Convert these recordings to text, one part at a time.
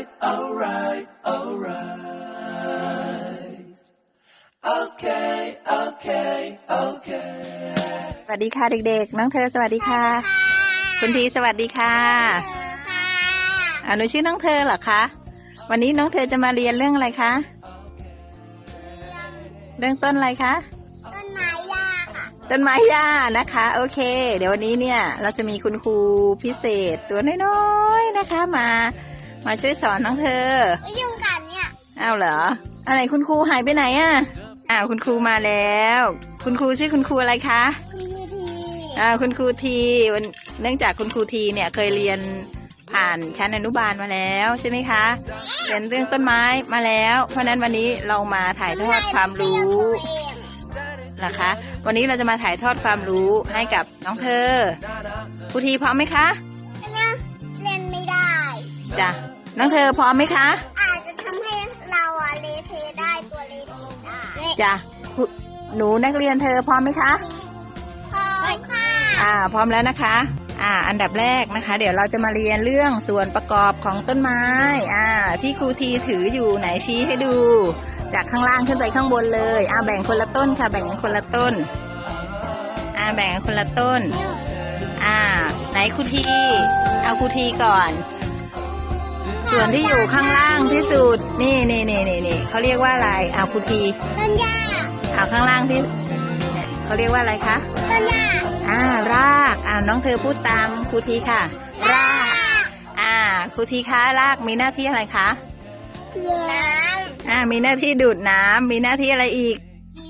alright, alright, alright. Okay, okay, okay. สวัสดีค่ะเด็กๆน้องเธอสวัสดีค่ะคุณทีสวัสดีค่ะหนูชื่อน้องเธอเหรอคะวันนี้น้องเธอจะมาเรียนเรื่องอะไรคะเรื่องต้นอะไรคะต้นไม้หญ้าค่ะต้นไม้หญ้านะคะโอเคเดี๋ยววันนี้เนี่ยเราจะมีคุณครูพิเศษตัวน้อยๆนะคะมาช่วยสอนน้องเธอยุ่งกันเนี่ยอ้าวเหรออะไรคุณครูหายไปไหนอ่ะคุณครูมาแล้วคุณครูชื่อคุณครูอะไรคะคุณครูทีเนื่องจากคุณครูทีเนี่ยเคยเรียนผ่านชั้นอนุบาลมาแล้วใช่ไหมคะเรียนเรื่องต้นไม้มาแล้วเพราะนั้นวันนี้เรามาถ่ายทอดความรู้นะคะวันนี้เราจะมาถ่ายทอดความรู้ให้กับน้องเธอครูทีพร้อมไหมคะเล่นไม่ได้จ้ะน้องเธอพร้อมไหมคะอาจจะทำให้เราเละเทะได้ตัวเละเทะได้จ้ะหนูนักเรียนเธอพร้อมไหมคะพร้อมค่ะพร้อมแล้วนะคะอันดับแรกนะคะเดี๋ยวเราจะมาเรียนเรื่องส่วนประกอบของต้นไม้ที่ครูทีถืออยู่ไหนชี้ให้ดูจากข้างล่างขึ้นไปข้างบนเลยแบ่งคนละต้นค่ะแบ่งกันคนละต้นแบ่งกันคนละต้นไหนครูทีเอาครูทีก่อนส่วนที่อยู่ข้างล่างที่สุดนี่เขาเรียกว่าอะไรครูทีต้นหญ้าข้างล่างที่เขาเรียกว่าอะไรคะต้นหญ้ารากน้องเธอพูดตามครูทีค่ะรากครูทีคะรากมีหน้าที่อะไรคะน้ำมีหน้าที่ดูดน้ำมีหน้าที่อะไรอีก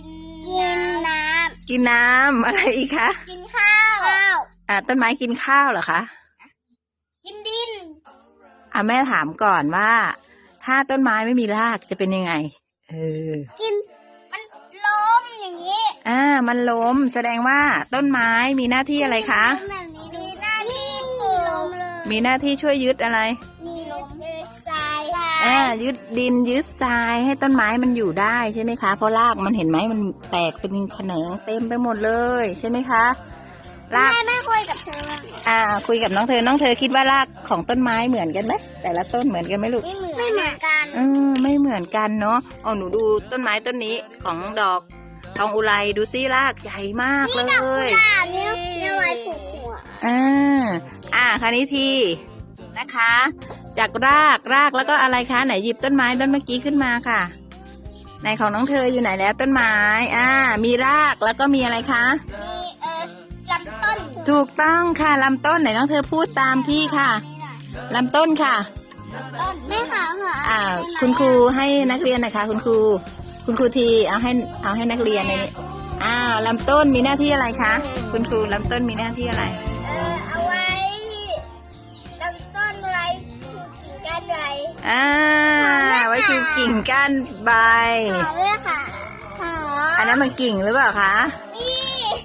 กินน้ำอะไรอีกคะกินข้าวต้นไม้กินข้าวเหรอคะกินดินแม่ถามก่อนว่าถ้าต้นไม้ไม่มีรากจะเป็นยังไงกินมันล้มอย่างนี้มันล้มแสดงว่าต้นไม้มีหน้าที่อะไรคะแบบนี้มีหน้าที่ล้มเลยมีหน้าที่ช่วยยึดอะไรมีล้มยึดทรายยึดดินยึดทรายให้ต้นไม้มันอยู่ได้ใช่ไหมคะเพราะรากมันเห็นไหมมันแตกเป็นแขนงเต็มไปหมดเลยใช่ไหมคะรากไม่คุยกับเธอคุยกับน้องเธอคิดว่ารากของต้นไม้เหมือนกันไหมแต่ละต้นเหมือนกันไหมลูกไม่เหมือนกันไม่เหมือนกันเนาะหนูดูต้นไม้ต้นนี้ของดอกทองอุไรดูซิรากใหญ่มากเลยนี่ดอกกุหลาบเนี่ยไว้ผูกหัวคราวนี้ทีนะคะจากรากแล้วก็อะไรคะไหนหยิบต้นไม้ต้นเมื่อกี้ขึ้นมาค่ะไหนของน้องเธออยู่ไหนแล้วต้นไม้มีรากแล้วก็มีอะไรคะลำต้นถูกต้องค่ะลำต้นไหนน้องเธอพูดตามพี่ค่ะลำต้นค่ะต้นไม่ค่ะคุณครูให้นักเรียนนะคะคุณครูทีเอาให้นักเรียนในนี้ลำต้นมีหน้าที่อะไรคะคุณครูลำต้นมีหน้าที่อะไรเอาไว้ลำต้นไว้ชูกิ่งก้านใบไว้ชูกิ่งก้านใบหอมเลยค่ะอันนั้นมันกิ่งหรือเปล่าคะนี่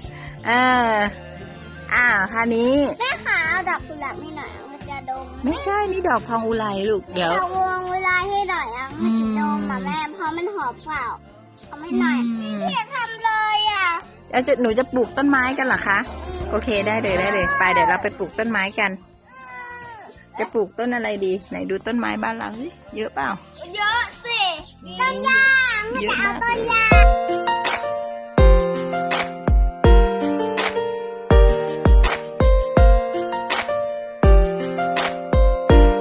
คราวนี้แม่ขาเอาดอกกุหลาบให้หน่อยมันจะดมไม่ใช่นี่ดอกทองอุไรลูกเดี๋ยวดอกวงอุไรให้หน่อยมันจะดมแม่เพราะมันหอมเปล่าทำให้หน่อยไม่อยากทำเลยแล้วหนูจะปลูกต้นไม้กันเหรอคะโอเคได้เลยไปเดี๋ยวเราไปปลูกต้นไม้กันจะปลูกต้นอะไรดีไหนดูต้นไม้บ้านเราสิเยอะเปล่าเยอะสิต้นยางจะเอาต้นยาง